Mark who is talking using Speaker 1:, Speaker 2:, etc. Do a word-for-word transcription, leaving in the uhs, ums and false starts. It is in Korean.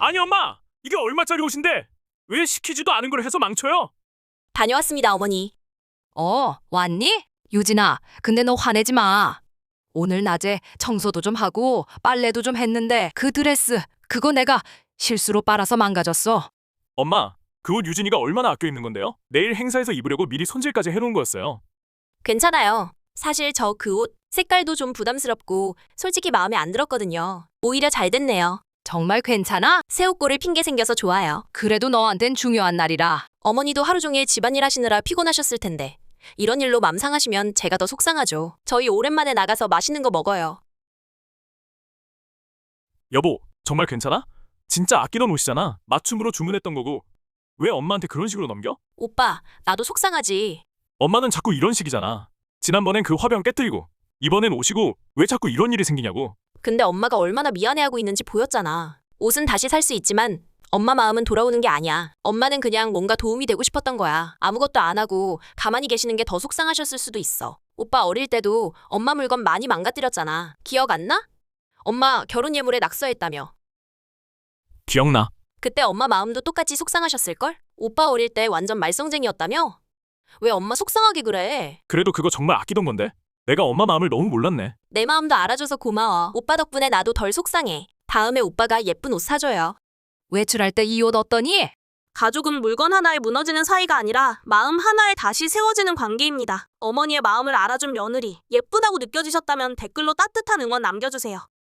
Speaker 1: 아니 엄마, 이게 얼마짜리 옷인데 왜 시키지도 않은 걸 해서 망쳐요?
Speaker 2: 다녀왔습니다, 어머니.
Speaker 3: 어, 왔니? 유진아, 근데 너 화내지 마. 오늘 낮에 청소도 좀 하고 빨래도 좀 했는데 그 드레스, 그거 내가 실수로 빨아서 망가졌어.
Speaker 1: 엄마, 그 옷 유진이가 얼마나 아껴 입는 건데요? 내일 행사에서 입으려고 미리 손질까지 해놓은 거였어요.
Speaker 2: 괜찮아요. 사실 저 그 옷 색깔도 좀 부담스럽고 솔직히 마음에 안 들었거든요. 오히려 잘 됐네요.
Speaker 3: 정말 괜찮아?
Speaker 2: 새 옷고를 핑계 생겨서 좋아요.
Speaker 3: 그래도 너한텐 중요한 날이라.
Speaker 2: 어머니도 하루 종일 집안일 하시느라 피곤하셨을 텐데 이런 일로 맘 상하시면 제가 더 속상하죠. 저희 오랜만에 나가서 맛있는 거 먹어요.
Speaker 1: 여보, 정말 괜찮아? 진짜 아끼던 옷이잖아. 맞춤으로 주문했던 거고. 왜 엄마한테 그런 식으로 넘겨?
Speaker 2: 오빠, 나도 속상하지.
Speaker 1: 엄마는 자꾸 이런 식이잖아. 지난번엔 그 화병 깨뜨리고 이번엔 오시고 왜 자꾸 이런 일이 생기냐고.
Speaker 2: 근데 엄마가 얼마나 미안해하고 있는지 보였잖아. 옷은 다시 살 수 있지만 엄마 마음은 돌아오는 게 아니야. 엄마는 그냥 뭔가 도움이 되고 싶었던 거야. 아무것도 안 하고 가만히 계시는 게 더 속상하셨을 수도 있어. 오빠 어릴 때도 엄마 물건 많이 망가뜨렸잖아. 기억 안 나? 엄마 결혼 예물에 낙서했다며.
Speaker 1: 기억나.
Speaker 2: 그때 엄마 마음도 똑같이 속상하셨을걸? 오빠 어릴 때 완전 말썽쟁이였다며? 왜 엄마 속상하게 그래?
Speaker 1: 그래도 그거 정말 아끼던 건데. 내가 엄마 마음을 너무 몰랐네.
Speaker 2: 내 마음도 알아줘서 고마워. 오빠 덕분에 나도 덜 속상해. 다음에 오빠가 예쁜 옷 사줘요.
Speaker 3: 외출할 때 이 옷 어떠니?
Speaker 4: 가족은 물건 하나에 무너지는 사이가 아니라 마음 하나에 다시 세워지는 관계입니다. 어머니의 마음을 알아준 며느리, 예쁘다고 느껴지셨다면 댓글로 따뜻한 응원 남겨주세요.